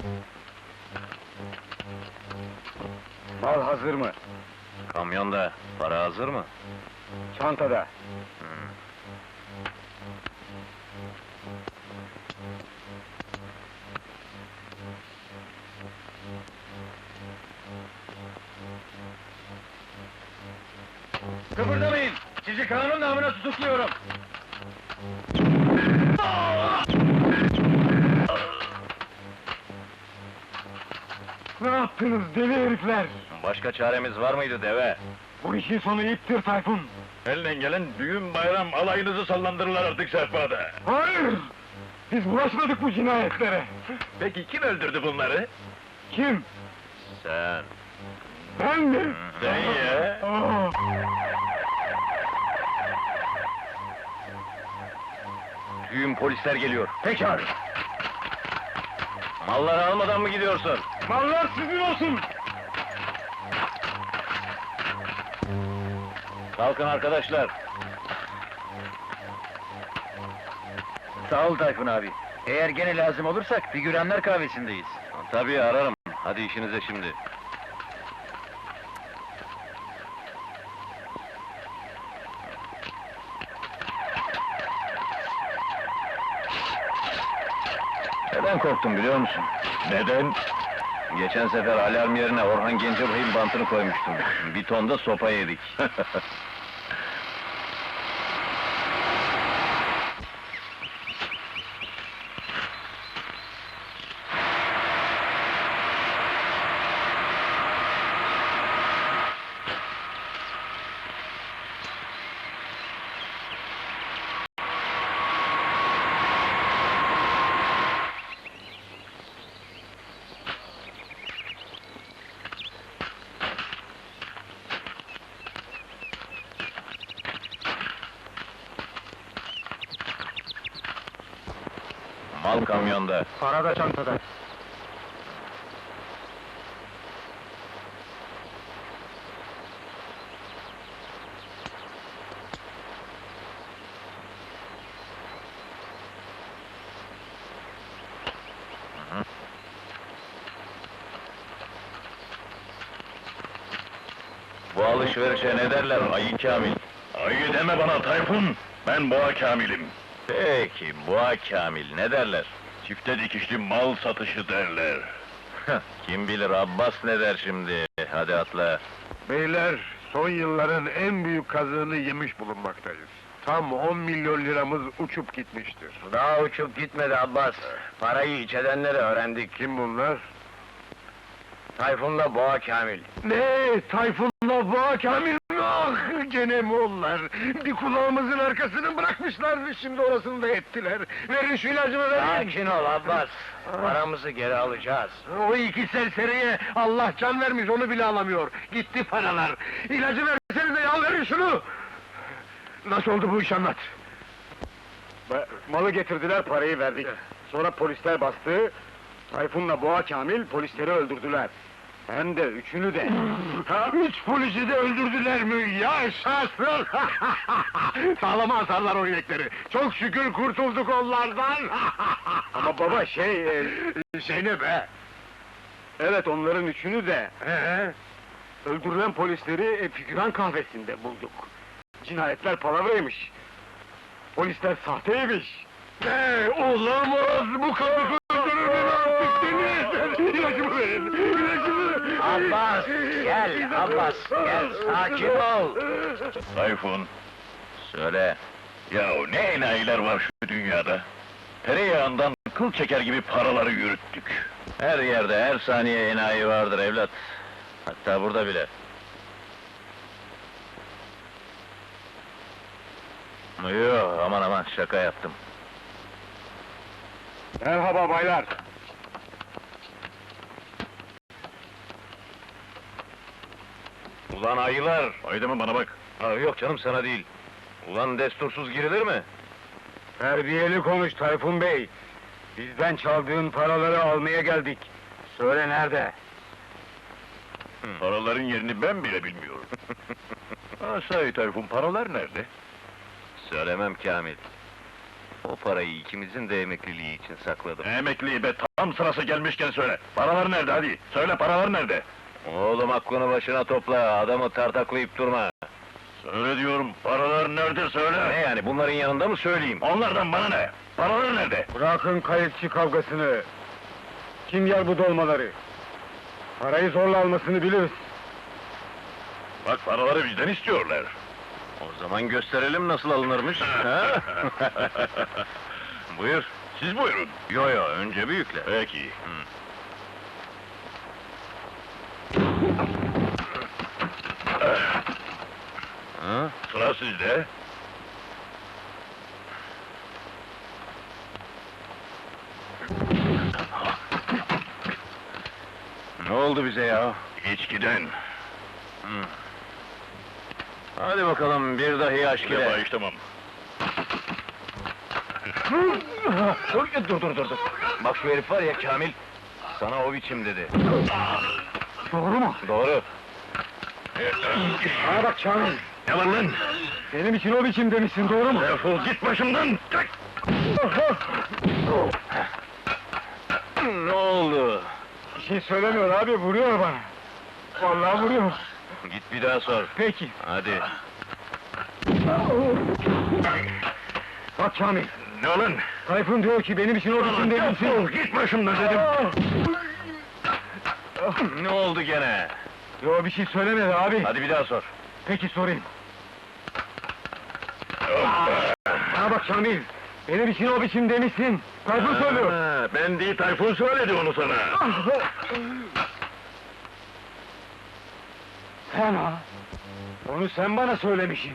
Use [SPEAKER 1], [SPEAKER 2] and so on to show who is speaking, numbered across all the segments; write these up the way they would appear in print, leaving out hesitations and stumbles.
[SPEAKER 1] Mal hazır mı?
[SPEAKER 2] Kamyonda, para hazır mı?
[SPEAKER 1] Çantada. Kıpırdamayın! Sizi kanun namına tutukluyorum! Ne yaptınız deli herifler?
[SPEAKER 2] Başka çaremiz var mıydı deve?
[SPEAKER 1] Bu işin sonu iptir Tayfun!
[SPEAKER 3] Elden gelen düğün bayram alayınızı sallandırırlar artık sehpada.
[SPEAKER 1] Hayır! Biz bulaşmadık bu cinayetlere!
[SPEAKER 3] Peki kim öldürdü bunları?
[SPEAKER 1] Kim?
[SPEAKER 2] Sen.
[SPEAKER 1] Ben mi?
[SPEAKER 3] Sen ya!
[SPEAKER 1] Aa!
[SPEAKER 2] Düğün polisler geliyor.
[SPEAKER 1] Pekala!
[SPEAKER 2] Malları almadan mı gidiyorsun?
[SPEAKER 1] Mallar sizin olsun!
[SPEAKER 2] Kalkın arkadaşlar.
[SPEAKER 1] Sağ ol Tayfun abi. Eğer gene lazım olursak figüranlar kahvesindeyiz.
[SPEAKER 2] Tabii ararım. Hadi işinize şimdi. Neden korktum biliyor musun?
[SPEAKER 3] Neden?
[SPEAKER 2] Geçen sefer alarm yerine Orhan Gencebay'ın bantını koymuştum. Bir ton da sopa yedik. Mal kamyonda.
[SPEAKER 1] Para da çantada.
[SPEAKER 2] Bu alışverişe ne derler Ayı Kamil?
[SPEAKER 3] Ayı deme bana Tayfun! Ben Boğa Kamil'im.
[SPEAKER 2] Peki, Boğa Kamil ne derler?
[SPEAKER 3] Çifte dikişli mal satışı derler.
[SPEAKER 2] Kim bilir Abbas ne der şimdi? Hadi atla.
[SPEAKER 4] Beyler, son yılların en büyük kazığını yemiş bulunmaktayız. Tam 10 milyon liramız uçup gitmiştir.
[SPEAKER 1] Daha uçup gitmedi Abbas. Parayı iç edenleri öğrendik.
[SPEAKER 4] Kim bunlar?
[SPEAKER 1] Tayfun'la Boğa Kamil.
[SPEAKER 4] Ne? Tayfun'la Boğa Kamil mi? Ah, gene mi onlar? Bir kulağımızın arkasını bırakmışlar, şimdi orasını da ettiler. Verin şu ilacımı verin!
[SPEAKER 1] Sakin ol Abbas. Paramızı geri alacağız.
[SPEAKER 4] O iki serseriye Allah can vermiş, onu bile alamıyor. Gitti paralar. İlacı versenize ya, verin şunu! Nasıl oldu bu iş, anlat!
[SPEAKER 1] Malı getirdiler, parayı verdik. Sonra polisler bastı. Tayfun'la Boğa Kamil polisleri öldürdüler. Hem de üçünü de.
[SPEAKER 4] Ha, 3 polisi de öldürdüler mi? Yaşasın! Sağlama asarlar o inekleri. Çok şükür kurtulduk onlardan.
[SPEAKER 1] Ama baba
[SPEAKER 4] Şey ne be?
[SPEAKER 1] evet onların üçünü de.
[SPEAKER 4] He?
[SPEAKER 1] Öldürülen polisleri figüran kahvesinde bulduk. Cinayetler palavraymış. Polisler sahteymiş.
[SPEAKER 4] Ne? Olamaz! Bu kadar öldürür beni artık, deli! İlacımı verin! İlacımı!
[SPEAKER 1] Abbas, gel Abbas, gel, sakin ol!
[SPEAKER 3] Tayfun,
[SPEAKER 2] Söyle.
[SPEAKER 3] yahu ne enayiler var şu dünyada? Tereyağından kıl çeker gibi paraları yürüttük.
[SPEAKER 2] Her yerde, her saniye enayi vardır evlat. Hatta burada bile. Yok, aman aman, şaka yaptım.
[SPEAKER 1] Merhaba baylar.
[SPEAKER 2] Ulan ayılar!
[SPEAKER 3] Haydi mı bana bak.
[SPEAKER 2] Yok canım, sana değil. Ulan destursuz girilir mi?
[SPEAKER 1] Terbiyeli konuş Tayfun Bey. Bizden çaldığın paraları almaya geldik. Söyle nerede?
[SPEAKER 3] Paraların yerini ben bile bilmiyorum. Sahi Tayfun, paralar nerede?
[SPEAKER 2] Söylemem Kamil. O parayı ikimizin de emekliliği için sakladım.
[SPEAKER 3] Emekliyi be, tam sırası gelmişken söyle. Paralar nerede hadi? Söyle, paralar nerede?
[SPEAKER 2] Oğlum aklını başına topla, adamı tartaklayıp durma.
[SPEAKER 3] Söyle diyorum, paralar nerede söyle!
[SPEAKER 2] Ne yani, bunların yanında mı söyleyeyim?
[SPEAKER 3] Onlardan bana ne? Paralar nerede?
[SPEAKER 1] Bırakın kayıkçı kavgasını. Kim yer bu dolmaları? Parayı zorla almasını biliriz.
[SPEAKER 3] Bak, paraları bizden istiyorlar.
[SPEAKER 2] O zaman gösterelim nasıl alınırmış, ha? Buyur.
[SPEAKER 3] Siz buyurun.
[SPEAKER 2] Yo yo, önce büyükler.
[SPEAKER 3] Peki.
[SPEAKER 2] Ha?
[SPEAKER 3] Sıra sizde.
[SPEAKER 2] Ne oldu bize ya?
[SPEAKER 3] İçkiden.
[SPEAKER 2] Hadi bakalım, bir dahi aşk
[SPEAKER 3] Şuraya
[SPEAKER 2] ile.
[SPEAKER 3] bağışlamam.
[SPEAKER 2] Dur. Bak şu herif var ya Kamil, sana o biçim dedi.
[SPEAKER 1] Doğru mu?
[SPEAKER 2] Doğru.
[SPEAKER 1] Bana bak Kamil.
[SPEAKER 3] Ne var lan?
[SPEAKER 1] Benim için o biçim demişsin, doğru mu?
[SPEAKER 3] Defol git başımdan! Çık!
[SPEAKER 2] Ne oldu?
[SPEAKER 1] Bir şey söylemiyor abi, vuruyor bana. Vallahi vuruyor.
[SPEAKER 2] Git bir daha sor.
[SPEAKER 1] Peki.
[SPEAKER 2] Hadi.
[SPEAKER 1] Bak Kamil,
[SPEAKER 3] Ne lan?
[SPEAKER 1] Tayfun diyor ki benim için o biçim demişsin.
[SPEAKER 3] Defol git başımdan dedim!
[SPEAKER 2] Ne oldu gene?
[SPEAKER 1] Yo, bir şey söylemedi abi.
[SPEAKER 2] Hadi bir daha sor.
[SPEAKER 1] Peki sorayım. Bana bak Kamil, benim için o biçim demişsin. Tayfun söylüyor.
[SPEAKER 3] Ha, ben değil, Tayfun söyledi onu sana.
[SPEAKER 1] Sen ha? Onu sen bana söylemişsin.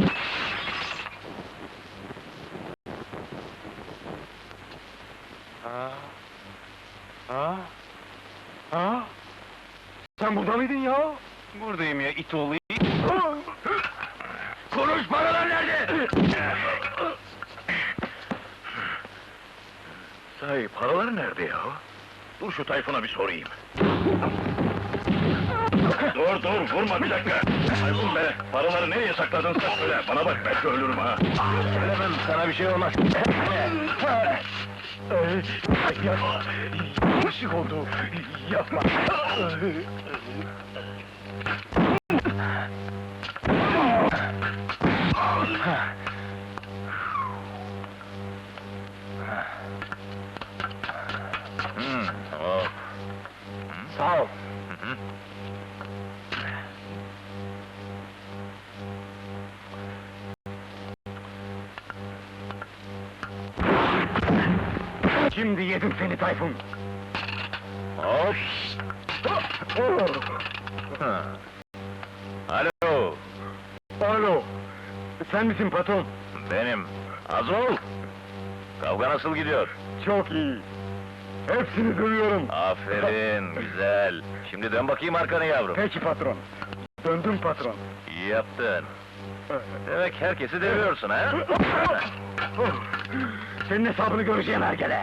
[SPEAKER 1] Ha? Sen burada mıydın ya?
[SPEAKER 2] Buradayım ya, it oğlu it.
[SPEAKER 3] Konuş, paralar nerede? Sahi, paralar nerede ya? Dur şu Tayfun'a bir sorayım. Dur, vurma bir dakika! Tayfun be, paraları nereye sakladın sen söyle, bana bak belki ölürüm ha!
[SPEAKER 2] Söylemem, sana bir şey olmaz.
[SPEAKER 1] Yapma! Yanlışlık oldu! Yapma!
[SPEAKER 2] Oh.
[SPEAKER 1] Sağ ol! Şimdi yedim seni Tayfun!
[SPEAKER 2] Hop. Ha. Alo,
[SPEAKER 1] Alo! Sen misin patron?
[SPEAKER 2] benim. Az ol. Kavga nasıl gidiyor?
[SPEAKER 1] Çok iyi! Hepsini duyuyorum!
[SPEAKER 2] Aferin, güzel. Şimdi dön bakayım arkana yavrum.
[SPEAKER 1] Peki patron! Döndüm patron!
[SPEAKER 2] İyi yaptın. Demek herkesi deviyorsun ha?
[SPEAKER 1] Senin hesabını göreceğim hergele!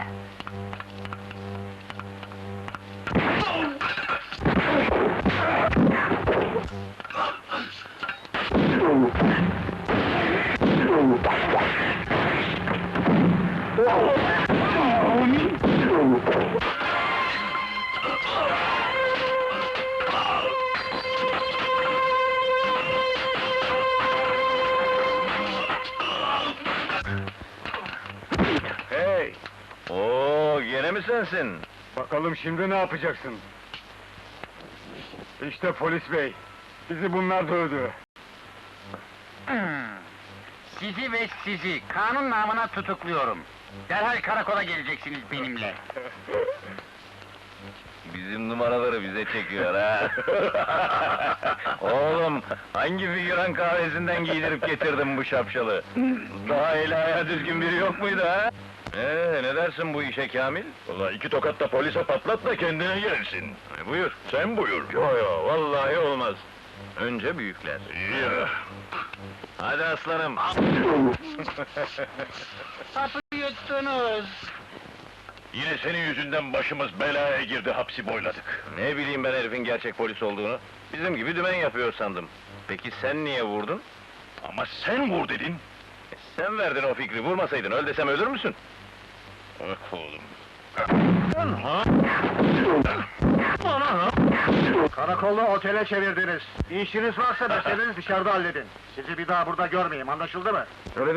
[SPEAKER 1] Hey!
[SPEAKER 2] Oo, gene mi sensin?
[SPEAKER 1] Bakalım şimdi ne yapacaksın? İşte polis bey! Bizi bunlar dövdü!
[SPEAKER 5] Sizi ve sizi kanun namına tutukluyorum. Derhal karakola geleceksiniz benimle.
[SPEAKER 2] Bizim numaraları bize çekiyor ha. Oğlum, hangi figüran kahvesinden giydirip getirdin bu şapşalı? Daha eli ayağı düzgün biri yok muydu ha? Ne dersin bu işe Kamil?
[SPEAKER 3] Ulan 2 tokat da polise patlat da kendine gelsin.
[SPEAKER 2] Buyur.
[SPEAKER 3] Sen buyur.
[SPEAKER 2] Yo, vallahi olmaz. Önce büyükler.
[SPEAKER 3] İyi ya.
[SPEAKER 2] Hadi aslanım.
[SPEAKER 5] Hapı yuttunuz.
[SPEAKER 3] Yine senin yüzünden başımız belaya girdi, hapsi boyladık.
[SPEAKER 2] Ne bileyim ben herifin gerçek polis olduğunu. Bizim gibi dümen yapıyor sandım. Peki sen niye vurdun?
[SPEAKER 3] Ama sen vur dedin.
[SPEAKER 2] Sen verdin o fikri, vurmasaydın öl desem ölür müsün?
[SPEAKER 3] Ah oğlum.
[SPEAKER 4] Karakolu otele çevirdiniz. İşiniz varsa meselenizi dışarıda halledin. Sizi bir daha burada görmeyeyim, anlaşıldı mı?
[SPEAKER 1] Söyle